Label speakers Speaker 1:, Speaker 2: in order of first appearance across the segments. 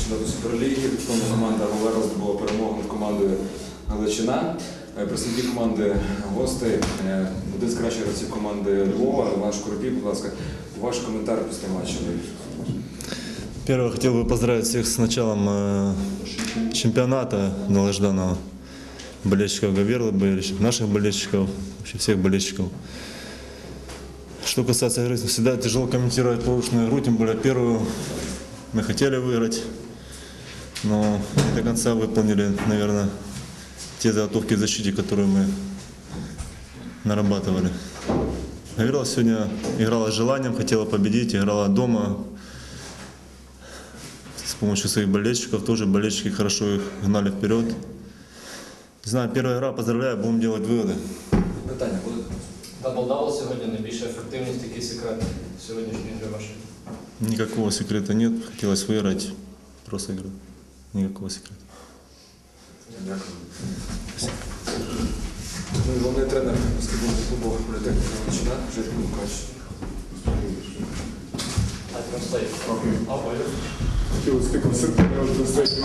Speaker 1: чемпіонату Суперліги. Відповідно, команда Говерло здобула перемогу над командою Галичина. Представники команди гостей, один з кращих гравців команди Львова, Іван Шкоропій, будь ласка, ваш коментар після матчу.
Speaker 2: Первое, хотел бы поздравить всех с началом чемпионата долгожданного, болельщиков Говерлы, наших болельщиков, вообще всех болельщиков. Что касается игры, всегда тяжело комментировать прошлую игру, тем более первую мы хотели выиграть, но не до конца выполнили, наверное, те заготовки в защите, которые мы нарабатывали. Говерло сегодня играла с желанием, хотела победить, играла дома. С помощью своих болельщиков, тоже болельщики хорошо их гнали вперед. Не знаю, первая игра, поздравляю, будем делать выводы.
Speaker 1: Питання будуть?
Speaker 3: Даблдау сьогодні, найбільша ефективність, який секрет сьогоднішньої гри вашої?
Speaker 2: Никакого секрета нет, хотелось выиграть, просто игра. Никакого секрета.
Speaker 1: Дякую. Головний тренер баскетбольного клубу Політехніка Галичина, Жирко Лукач.
Speaker 4: He will stick with something else to say.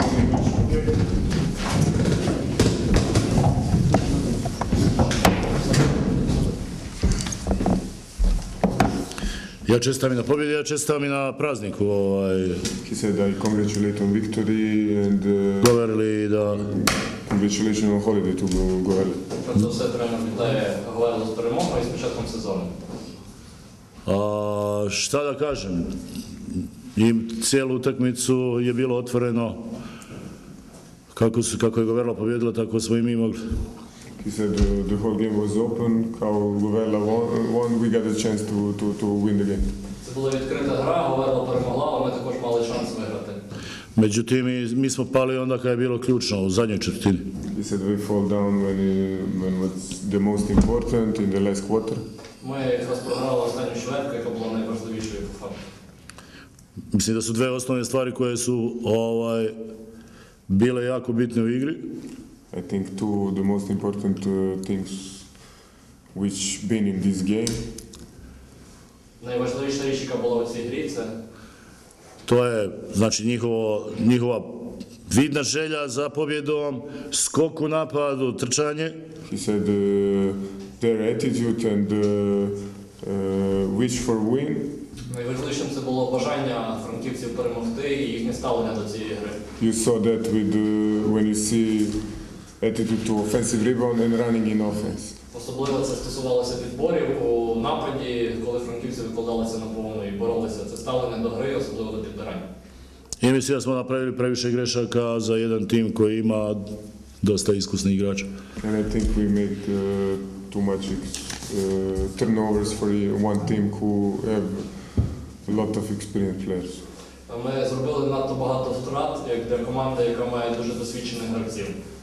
Speaker 5: Ja čestitam i na pobjedi, ja čestitam i na prazniku.
Speaker 4: He said, I congratulate on victory and
Speaker 5: Govorili da
Speaker 4: congratulations on holiday to Говерло.
Speaker 3: Перш за все, тренер вітає Говерло з перемогою і з початком сезону.
Speaker 5: Šta da kažem, i cijelu utakmicu je bilo otvoreno, kako je Говерло pobjedila, tako smo i mi mogli.
Speaker 4: He said the whole game was open, kao Говерло won, we got a chance to win the game.
Speaker 3: Це була відкрита гра, Говерло перемогла, але ми також мали шанс виграти.
Speaker 5: Međutim, mi smo pali onda kad je bilo ključno, u zadnjoj četvrtini.
Speaker 4: He said we fall down when was the most important in the last quarter.
Speaker 3: Ми якраз програли останню чвертку, яка була найважливішою по факту.
Speaker 5: Mislim da su dve osnovne stvari koje su bile jako bitne u igri.
Speaker 4: I think two the most important things which been in this game.
Speaker 3: Найважливіша річ, яка була у цій грі, це
Speaker 5: To je, znači, njihova vidna želja za pobjedom, skok u napadu, trčanje.
Speaker 4: He said their attitude and wish for win.
Speaker 3: найважливішим це було бажання франківців перемогти і їхнє ставлення до цієї гри.
Speaker 4: You saw that with when you see attitude to offensive rebound and running in offense.
Speaker 3: Особливо це стосувалося підборів у нападі, коли франківці викладалися на повну і боролися. Це ставлення до гри, особливо до підбирання.
Speaker 5: I mislim da smo napravili previše grešaka za jedan tim koji ima dosta iskusnih igrača.
Speaker 4: And I think we make too much turnovers for one team who have a lot of experienced players.
Speaker 3: Ми зробили надто багато втрат, як для команди, яка має дуже досвідчених гравців.